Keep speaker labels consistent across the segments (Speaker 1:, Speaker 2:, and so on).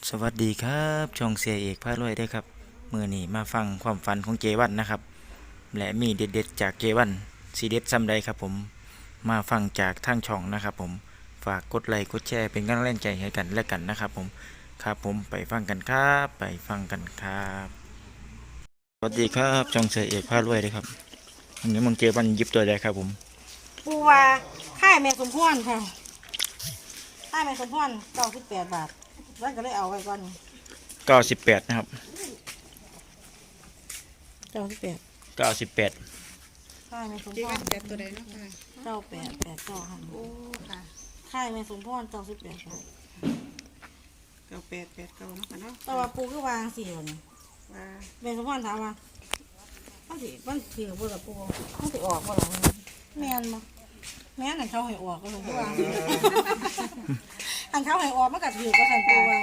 Speaker 1: สวัสดีครับช่องเสียเอกพารวยได้ครับมือนี้มาฟังความฝันของเจวันนะครับและมีเด็ดๆจากเจวันสีเด็ดซ้ำใดครับผมมาฟังจากทางช่องนะครับผมฝากกดไลค์กดแชร์เป็นกำลังใจให้กันและกันนะครับผมครับผมไปฟังกันครับไปฟังกันครับสวัสดีครับช่องเสียเอกพารวยได้ครับวันนี้มึงเจวันหยิบตัวใดครับผม
Speaker 2: ปูว่าค่ายแม่สมพรค่ะค่ายแม่สมพร98 บาทแล้วก็เลยเอาไว้ก่อน
Speaker 1: 98นะครับ
Speaker 2: 98
Speaker 1: 98
Speaker 2: ค่ายแม่สมพ
Speaker 3: จีวั
Speaker 2: ร
Speaker 3: นจับตัวใดเนาะค่ะ
Speaker 2: 9889ค่ะ
Speaker 3: โอ้ค่ะ
Speaker 2: ค่ายแม่สมพร98 บาท
Speaker 3: 9889เนาะค่ะเนาะ
Speaker 2: แต่ว่าปูคือวางสี่คน
Speaker 3: ว่า
Speaker 2: แม่สมพรถามว่ามันถือบ่ล่ะปูมันสิออกบ่ล่ะแม่นบ่แม่นอันเขาให้ออกก็เลยคือวางอันเขาให้ออกมันก็ถือก็สั่นปูว่า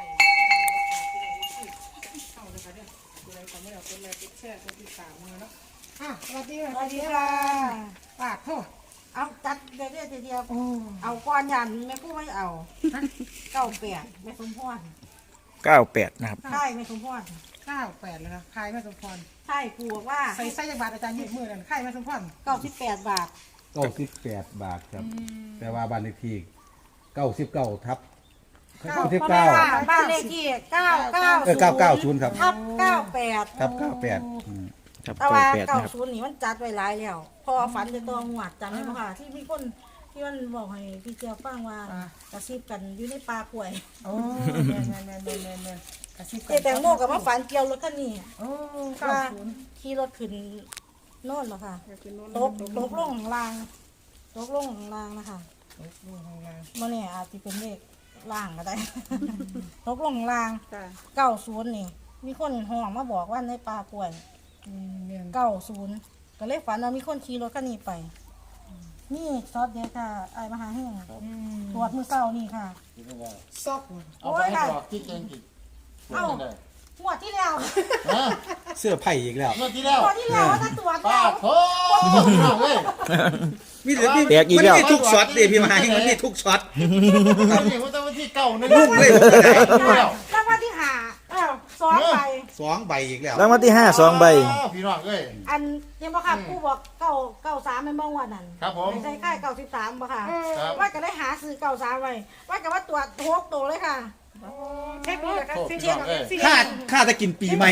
Speaker 3: สวัสดี
Speaker 2: สวัสดีค่ะ
Speaker 3: ปากโทษ
Speaker 2: เอาจัดเดียวเอาก้อนยันแม่กู้ไม่เอา98แม่สมพร
Speaker 1: 98นะครับ
Speaker 2: ใช่แม่สมพร
Speaker 3: 98เลยนะคายแม่สมพร
Speaker 2: ใช่กูบอกว่า
Speaker 3: ใส่ไส้จักบาทอาจารย์ยืดมือนั่นคายแม่สมพร
Speaker 2: 98 บาท
Speaker 4: 98 บาทครับ แต่ว่าบ้านเลขที่99ทับ
Speaker 2: บ้านเลขที่
Speaker 4: 990ครับ
Speaker 2: ทับ98
Speaker 4: ทับ98
Speaker 1: ครับ
Speaker 2: แต่ว่า
Speaker 1: 98นะครับ
Speaker 2: 90นี่มันจัดไว้หลายแล้วพอฝันจะตัวงวดจำได้ไหมคะที่มีคนที่มันบอกให้พี่เจ้าฟังว่ากระซิบกันอยู่ในป่าป่วย
Speaker 3: โอ้แม่กระซิบ
Speaker 2: เจแตงโมกับมาฝันเกี่ยวรถคันนี้
Speaker 3: โอ้
Speaker 2: ว่า
Speaker 3: 90
Speaker 2: ขี่รถขึ้นโน่นเหรอคะตกลงข้างล่างตกลงข้างล่างนะคะมันเนี่ยอาจจะเป็นเลขล่างก็ได้ ตกลงข้างล่าง
Speaker 3: จ้ะ
Speaker 2: 90นี่มีคนห้องมาบอกว่าในป่าป่วย
Speaker 3: แม่น
Speaker 2: 90ก็เลยฝันว่ามีคนขี่รถคันนี้ไปนี่ซอสเดียวค่ะไอ้มหาแห้งตรวจมือเศร้านี่ค่ะ
Speaker 3: ซอก
Speaker 2: โอ้ยค่ะ
Speaker 5: ที่เก่งอีก
Speaker 2: เอ้าหมวดที่แล้ว
Speaker 4: เสื้อไผ่อีกแล้ว
Speaker 5: เมื่อที่แล้ว
Speaker 2: หมวดที่แล้วว่าจะตรวจ
Speaker 5: ป้า
Speaker 2: แล้ว
Speaker 5: โถ่เอาเว้ย
Speaker 4: มีแต่มี
Speaker 1: แตกอีกแล้ว
Speaker 4: มันมีทุกช็อตเลยพี่มาให้มันมีทุกช็อต
Speaker 5: เอาเนี่ยมันต้องวันที่เก่านั่น
Speaker 4: ลูกเลย
Speaker 2: รางวัลที่หา2 ใบ
Speaker 4: 2 ใบอีกแล้ว
Speaker 1: รางวัลที่5 2 ใบ
Speaker 5: พี่น้องเอ้ย
Speaker 2: อันยังบ่ค่ะผู้บอก93เป็นบ่งวดนั่น
Speaker 5: ครับผม
Speaker 2: ใช่ค่าย93บ่ค่ะ
Speaker 5: ครับ
Speaker 2: ว่าจะได้หาซื้อ93ไว้ว่าจะว่าตรวจ6ตัวเลยค่ะ
Speaker 3: เช็คดูเลยครับ
Speaker 5: โถ่พี่น้องเอ้ย
Speaker 4: ค่าจะกินปีใหม่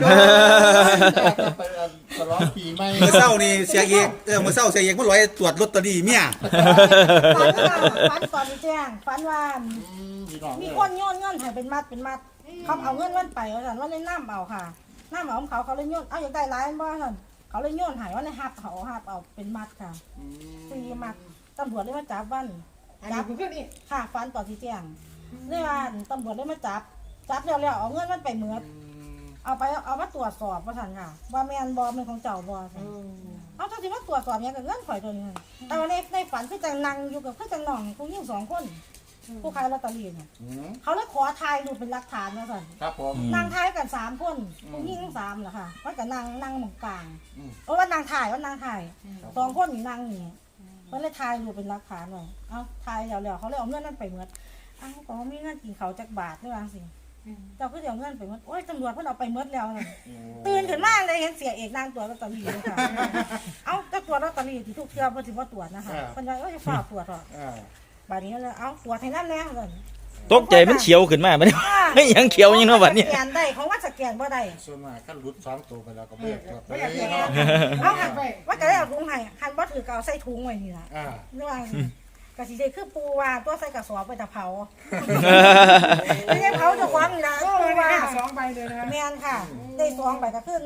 Speaker 5: ไปฉลองปีใหม่
Speaker 4: เมื่อเช้านี่เสียเอกเมื่อเช้าเสียเอกมันร้อยตรวจลอตเตอรี่เมีย
Speaker 2: ฝันว่าฝันตอนแจ้งฝันว่า
Speaker 5: พี่น้อง
Speaker 2: มี
Speaker 5: เอ้ย
Speaker 2: คนโยนเงินให้เป็นมัดเขาเอาเงินมันไปว่าซั่นว่าในน้ำเอาค่ะน้ำเอาของเขาเลยโยนเอาอยากได้หลายบ่ซั่นเขาเลยโยนให้ว่าในหับเขาหับเอาเป็นมัดค่ะ4 มัดตำรวจเลยมาจับวัน
Speaker 3: อันนี้คือขึ้นนี่
Speaker 2: ค่ะฝันตอนที่แจ้งเลยว่าตำรวจเลยมาจับแล้วเอาเงินมันไปเหมือดเอามาตรวจสอบว่าซั่นค่ะ ว่าแม่นบ่แม่นของเจ้าบ่ซั่นเอาเจ้าสิมาตรวจสอบหยังกับเงินข่อยตัวนี้หั่นแต่ว่าในฝันคือจังนั่งอยู่กับคือจังน้องผู้หญิง2 คนผู้ขายลอตเตอรี่เนี่ย
Speaker 5: อืม
Speaker 2: เขาเลยขอถ่ายรูปเป็นหลักฐานว่าซั่น
Speaker 5: ครับผม
Speaker 2: นั่งถ่ายกัน3 คนผู้หญิง3เหรอค่ะว่าก็นั่งหมองกลาง
Speaker 5: อืม
Speaker 2: ว่านางถ่าย2 คนนี่นั่งนี่เพิ่นเลยถ่ายรูปเป็นหลักฐานไว้เอ้าถ่ายแล้วเขาเลยเอาเงินนั้นไปเหมือดเอ้าก็มีเงินกินเขาวจักบาทด้วยว่าสิเจ้าคือเอาเงินไปเหมือดโอ้ยตำรวจเพิ่นเอาไปเหมือดแล้วนั่นตื่นขึ้นมาเลยเห็นเสียเอกนั่งตรวจลอตเตอรี่เลยค่ะเอ้าจะตรวจลอตเตอรี่ที่ทุกเทื่อเพิ่นสิบ่ตรวจนะคะเพิ่นว่าจะฝากตรวจหรอก
Speaker 5: อ่า
Speaker 2: บัดนี้เลยเอ้าตรวจให้นั่นแน่เลย
Speaker 1: ตกใจมันเขียวขึ้นมามันยังเขียวยังเนาะบัดนี้
Speaker 2: สแกนได้ของว่าสแกนบ่ได้
Speaker 5: ส่วนมากก็หลุด2 ตัวไปแล้วก็เบิกครับ
Speaker 2: ไม่อยาก
Speaker 5: เอ้
Speaker 2: แก
Speaker 5: ย
Speaker 2: น
Speaker 5: เนาะ
Speaker 2: เอาหันไปว่าจะได้เอาถุงให้หันบ่ถือก็เอาใส่ถุงไว้นี่ล่ะ
Speaker 5: อ่า
Speaker 2: ระหว่างกะสิได้คือปูว่าตัวใส่กระสอบไปตะเผาไม่ใช่เผาเจะควงนี่ล่ะ
Speaker 3: โอ้
Speaker 2: ปู
Speaker 3: ย
Speaker 2: ว่า
Speaker 3: 2ใบเลยนะ
Speaker 2: แม่นค่ะได้2ใบก็คือ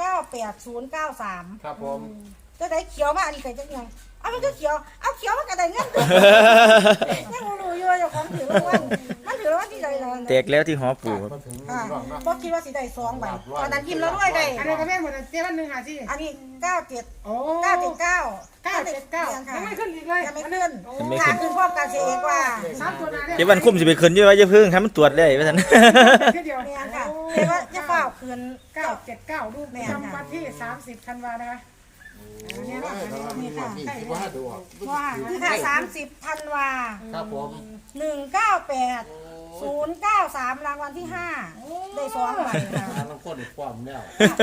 Speaker 2: 198093
Speaker 5: ครับผม
Speaker 2: จะได้เขียวมาอันนี้ก็จังยังเอามันก็เขียวเอาเขียวมันก็ได้เงินยังบ่รู้อยู่ว่าเจ้าของถือรางวัลมันถือรางวัลที่ใดล่ะ
Speaker 1: แตกแล้วที่หอปู่ครับ
Speaker 5: มาถึง
Speaker 2: ค่ะ
Speaker 5: พี่น้องเนาะ
Speaker 2: บ่คิดว่าสิได้2ใบตอนนั้นพิมพ์แล้วด้วยได้
Speaker 3: อันนี้ก็แม่นหมดเจ๊วันหนึ่งหาที่
Speaker 2: อันนี้97
Speaker 3: โอ้
Speaker 2: 979
Speaker 3: 979ยังไม่ขึ้นอีกเลย
Speaker 2: ยังไม่ขึ้น
Speaker 1: ยังไม่
Speaker 2: ค่ะ
Speaker 1: ขึ้น
Speaker 2: ขึ้นพร้อมกันเสียเอกว่า
Speaker 3: 3 ตัวหน้าเนี่ย
Speaker 1: เจวันคุ้มสิไปขึ้นอยู่ว่าจะพึ่งทำมันตรวจได้ว่าซั่น
Speaker 3: แค่เดียว
Speaker 2: แม่นค่ะเรียกว่าจะเฝ้าคืน
Speaker 3: 979รูปประจำวันที่30ธันวานะคะ
Speaker 5: นี่นะนี่ค่ะที่ว่าดูอ่ะ
Speaker 2: ว่าคือค่ะ30ธันวา
Speaker 5: ครับผม
Speaker 2: 198 093รางวัลที่ห้าได้2ใบค่ะ
Speaker 5: น้ำข้นอีกความแล้ว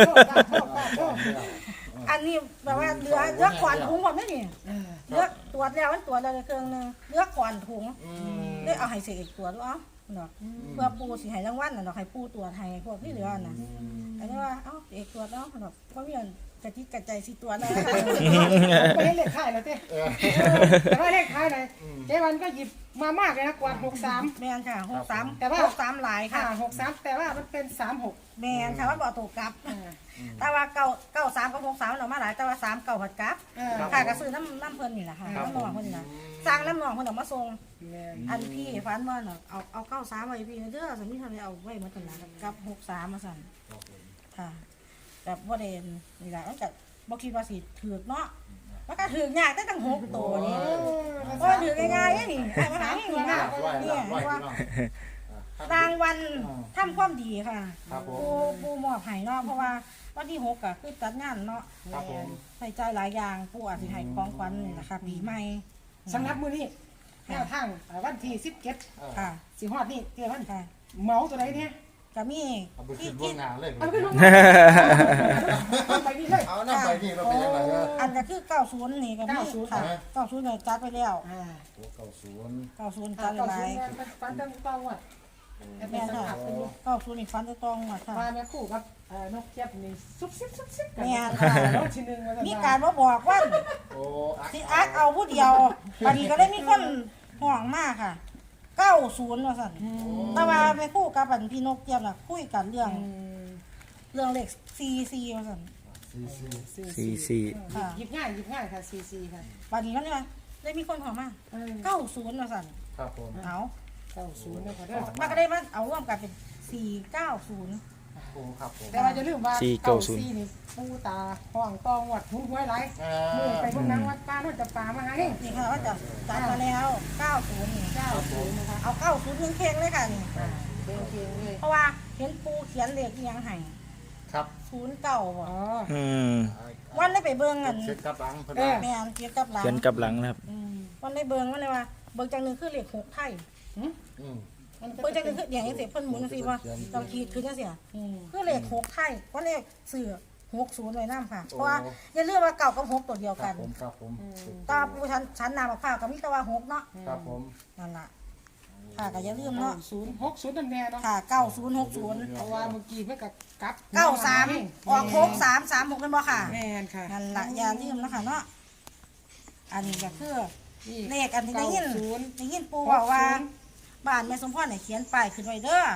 Speaker 2: อันนี้แบบว่าเหลือก่อนถุงหมดไหมนี่เหลือตรวจแล้วมันตรวจแล้วในเครื่องนึงเหลือก่อนถุงได้เอาให้เสกอีกตรวจด้วยเนาะเพื่อปูสิให้รางวัลน่ะเนาะให้ปูตรวจให้พวกที่เหลือน่ะอันนี้ว่าเอกตรวจเนาะเนาะเพราะมีกระติกกระใจสิตรวจแล้ว
Speaker 3: ไปให้เลขท้ายแล้วเต้แต่ว่าเลขท้ายไหนเจ๊วันก็หยิบมามากเลยนะกวาด63
Speaker 2: แม่นค่ะ63
Speaker 3: แต่ว่า
Speaker 2: 63หลาย
Speaker 3: ค่ะ
Speaker 2: ค่ะ
Speaker 3: 63แต่ว่ามันเป็น36
Speaker 2: แม่นค่ะว่าบ่ตกกลับ แต่ว่า93กับ63เนาะมาหลายแต่ว่า3 9ผัดกลับค่ะก็ซื้อน้ำเพิ่นนี่แหละค่ะน้ำหนองเพิ่นนี่ล่ะสร้างน้ำหนองเพิ่นเอามาส่งอันพี่ฟันว่าเนาะเอา93ไว้พี่เด้อสมมุติทำไมเอาไว้มาตลาดกับ63มาสั่นค่ะแบบบ่ได้นี่ล่ะมันก็บ่คิดว่าสิถูกเนาะมันก็ถูกยากได้ตั้ง6ตัวนี่บ่ถูกง่ายๆนี่ไอ้มาหานี่นะเนี่ยว่ารางวัลทำความดีค่ะปูมอบให้เนาะเพราะว่าวันที่6ก็คือจัดงานเนาะใส่ใจหลายอย่างปูอาจสิให้ของขวัญนี่ล่ะค่ะปีใหม่
Speaker 3: สำหรับมื้อนี้แนวทางวันที่17
Speaker 2: ค่ะ
Speaker 3: สิฮอดนี่เจ๊วัน
Speaker 2: ค่ะ
Speaker 3: เมาตัวไหนเนี่ย
Speaker 2: ก็มี
Speaker 5: เอาไปขึ้นล่วงหน้าเลย
Speaker 3: เอาไปลงไปนี่เลย
Speaker 5: เอาน้ำไปนี่เราเป็นยังไงเนี่ย
Speaker 2: อันก็คือ90นี่ก็มีค่ะ90เนี่ยจัดไปแล้ว
Speaker 5: โอ้90
Speaker 2: 90จัดไป
Speaker 3: ฟันตั้งตองว่ะ
Speaker 2: แม่นค่ะ90นี่ฟันจะต้องหมดค่ะ
Speaker 3: มาแม่คู่กับนกเจี๊ยบนี่ซุบซิบกัน
Speaker 2: แม่นค่ะ
Speaker 3: รอบที่1ว่า
Speaker 2: มีการมาบอกว่า
Speaker 5: โอ้
Speaker 2: สิอักเอาผู้เดียวบัดนี้ก็ได้มีคนห่วงมากค่ะ90ว่าซั่นแต่ว่าไปคู่กับอันพี่นกเจี๊ยบน่ะคุยกันเรื่องเลข44ว่าซั่น
Speaker 1: 44
Speaker 2: ค่ะ
Speaker 3: หยิบง่ายค่ะ44ค่ะ
Speaker 2: บัดนี้ก็เลยว่าได้มีคนห่วงมาก90ว่าซั่น
Speaker 5: ครับผม
Speaker 2: เอา
Speaker 3: 90นะคะเด้อ
Speaker 2: มันก็ได้มาเอาร่วมกันเป็น490
Speaker 5: โอ้ครับผม
Speaker 3: แต่ว่าจะลืมว่า94นี่ปูตาห้องตองวัดหุ้นหวยไหลมือไปพวกนั้นวัดป้าโน่นจะป่ามาหาเอง
Speaker 2: นี่ค่ะว่าจะจัดมาแล้ว90นี่
Speaker 3: 90นะคะ
Speaker 2: เอา90เพ่งๆเลยค่ะนี่
Speaker 3: เก่งเลย
Speaker 2: เพราะว่าเห็นปูเขียนเลขอีหยังให้
Speaker 5: ครับ
Speaker 2: 09บ่
Speaker 3: อ๋อ
Speaker 1: อืม
Speaker 2: วันได้ไปเบิ่งกัน
Speaker 5: เช็ดกับหลังเพิ่น
Speaker 2: แม่นเกี่ยวกับหลัง
Speaker 1: เขียนกับหลังนะครับ
Speaker 2: วันได้เบิ่งมันเลยว่าเบิ่งจังนึงคือเลข6ไทย
Speaker 5: อืม
Speaker 2: เบิ่งจังนึงคืออย่างจังซี่เพิ่นหมุนจังซี่ว่าต้องขีดคือจังซี่คือเลข6ไทยว่าเลขเสือ60ไว้นำค่ะเพราะว่าอย่าลืมว่าเก่ากับ6ตัวเดียว
Speaker 5: ครั
Speaker 2: กับ น
Speaker 5: ผมครับผม
Speaker 2: ตาปูชั้นนามะพร้าวก็มีแต่ว่า6เนาะ
Speaker 5: ครับผม
Speaker 2: นั่นล่ะค่ะก็อย่าลืมเนาะ
Speaker 3: 60นั่นแน่เนาะ
Speaker 2: ค่ะ9060
Speaker 3: เพราะว่าเมื่อกี้เมื่อกับกับ
Speaker 2: 93ออก6336เป็นบ่ค่ะ
Speaker 3: แม่นค่ะ
Speaker 2: นั่นล่ะอย่าลืมนะคะเนาะอันนี้ก็คือเลขอันที่ได้ยินปูบอกว่าบ้านแม่สมพรเนี่ยเขียนป้ายขึ้นไว้เด้อ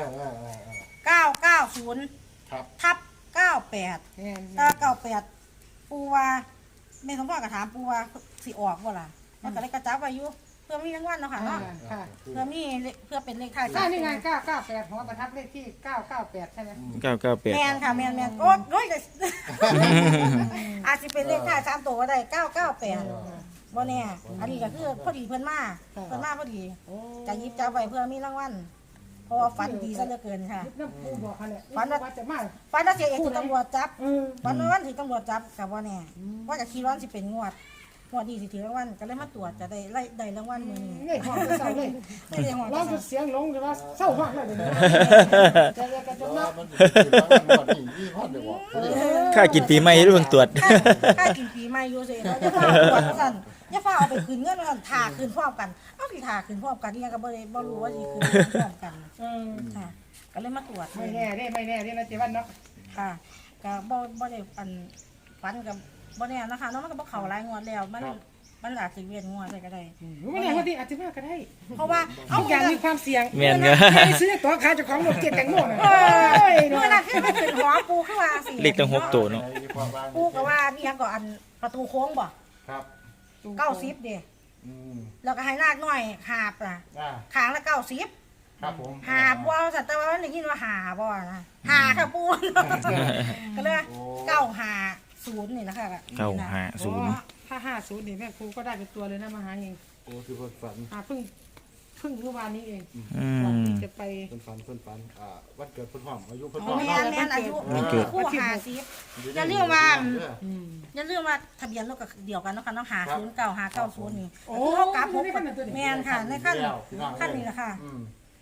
Speaker 2: 990
Speaker 5: ครับ
Speaker 2: ทับ98
Speaker 3: แม่น
Speaker 2: ถ้า98ปูว่าแม่สมพรก็ถามปูว่าสิออกบ่ล่ะมันก็เลยกระจับไว้อยู่เพื่อมีรางวัลเนาะค่ะเนาะ
Speaker 3: ค่ะ
Speaker 2: เพื่อมีเพื่อเป็นเลขท้าย
Speaker 3: นี่ไง998หัวประทับเลขที่998ใช่ไหม
Speaker 2: แมน
Speaker 1: 998
Speaker 2: ค่ะแมนโอ้ยอาจจะเป็นเลขท้าย3ตัวก็ได้998บ่แน่อันนี้ก็คือพอดีเพิ่นมาพอดีจะหยิบจับไว้เพื่อมีรางวัลเพราะว่าฝันดีซะเหลือเกินค่ะ
Speaker 3: น้ำปูบอกเขาเนี่ยว่าจะมา
Speaker 2: ฝันว่าเสียเอกถูกตำรวจจับฝันว่าวันที่ตำรวจจับกับบ่แน่ว่าจะคิดว่าสิเป็นงวดนี้สิถือรางวัลก็เลยมาตรวจจะได้รางวัลมื้อนี้
Speaker 3: นี่ห้องเศร้าเลย
Speaker 2: ไม่ได้หอด
Speaker 3: ร้องเสียงลงหรือว่าเศร้าห้องเลยเดี๋ยวนี้จะเรียกกันจน
Speaker 5: ว่า
Speaker 3: นับ
Speaker 5: มันเป็นรางวัลก่อนนี่ยี่ห้อเดียวบอก
Speaker 1: ค่ากินปีใหม่เรื่องตรวจ
Speaker 2: ค่ากินปีใหม่อยู่สิแล้วจะฟ้าตรวจสั่นอย่าฟ้าเอาไปคืนเงินกันถ่าคืนพร้อมกันเอาสิถ่าคืนพร้อมกันนี่ยังก็บ่รู้ว่าสิคืนพร้อมกันค่ะก็เลยมาตรวจ
Speaker 3: ไม่แน่นะเจ๊วันเนาะ
Speaker 2: ค่ะก็บ่ได้อันฟันกับบ่แน่นะคะเนาะมันก็บ่เข้าหลายงวดแล้วมันอาจสิเวียนงวดได้ก็ได้
Speaker 3: ไม่แน่ว่าที่อาจจะมาก็ได้
Speaker 2: เพราะว่า
Speaker 3: ทุกอย่างมีความเสี่ยง
Speaker 1: แม่นก็
Speaker 3: ไปซื้อตัวขายเจ้าของรถเกียรติแตงโมน่ะ
Speaker 2: เมื่อนั้นคือมันเป็นหอปูคือว่าสิ
Speaker 1: เลขตั้ง6ตัวเนาะ
Speaker 2: ปูก็ว่ามีหยังก็อันประตูโค้งบ่
Speaker 5: ครับ
Speaker 2: 90เด้ แล้วก็ให้นาคน้อยหาบล่ะขางละ90
Speaker 5: ครับผม
Speaker 2: หาบัวสัตว์แต่ว่ามันได้ยินว่าหาบัวนะหาค่ะปูก็เลย950นี่นะคะ
Speaker 1: 950
Speaker 3: ถ้า50นี่แม่ครูก็ได้เป็นตัวเลยนะมาหาเอง
Speaker 5: โอ้คือเพิ่นฝัน
Speaker 3: เพิ่งเมื่อวานนี้เอง
Speaker 1: อื
Speaker 3: ก่อน
Speaker 1: ม
Speaker 3: ที่จะไป
Speaker 5: เพิ่นฝันวันเกิดเพิ่นหอมอายุเพิ่น
Speaker 2: แม่นอายุคู่50อย่าลืมว่าทะเบียนรถก็เดียวกันเนาะค่ะเนาะ509 590นี่คือเฮากลับ6แม่นค่ะในขั้นนี้แหละค่ะ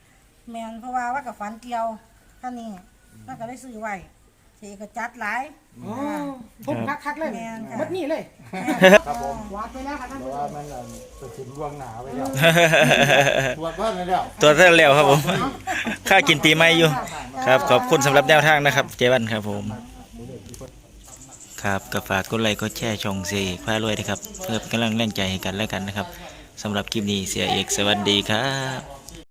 Speaker 2: แมนเพราะว่ากับฝันเกี่ยวท่านนี้นั่นก็ได้ซื้อไว้เสียก็จัดหลาย
Speaker 3: อ๋อผมคักๆเลย
Speaker 2: แม่นค่ะ
Speaker 3: หมดนี่เลย
Speaker 5: ครับผม
Speaker 3: วาดไปแล้วค่ะท่าน
Speaker 5: เพ
Speaker 3: ผู้
Speaker 5: ราะ
Speaker 3: ช
Speaker 5: ว่าม มันตัดสินล่วงหนาไปแล้วตรวจบ้านไปแล้ว
Speaker 1: ตัวเท่าแล้วครับผม ค่ากินปีใหม่อยู่ ครับขอบคุณสำหรับแนวทางนะครับเจวันครับผมครับก็ฝากกดไลค์กดแชร์ช่องเสียเอกพารวยนะครับเพื่อเป็นกำลังแรงใจให้กันและกันนะครับสำหรับคลิปนี้เสียเอกสวัสดีครับ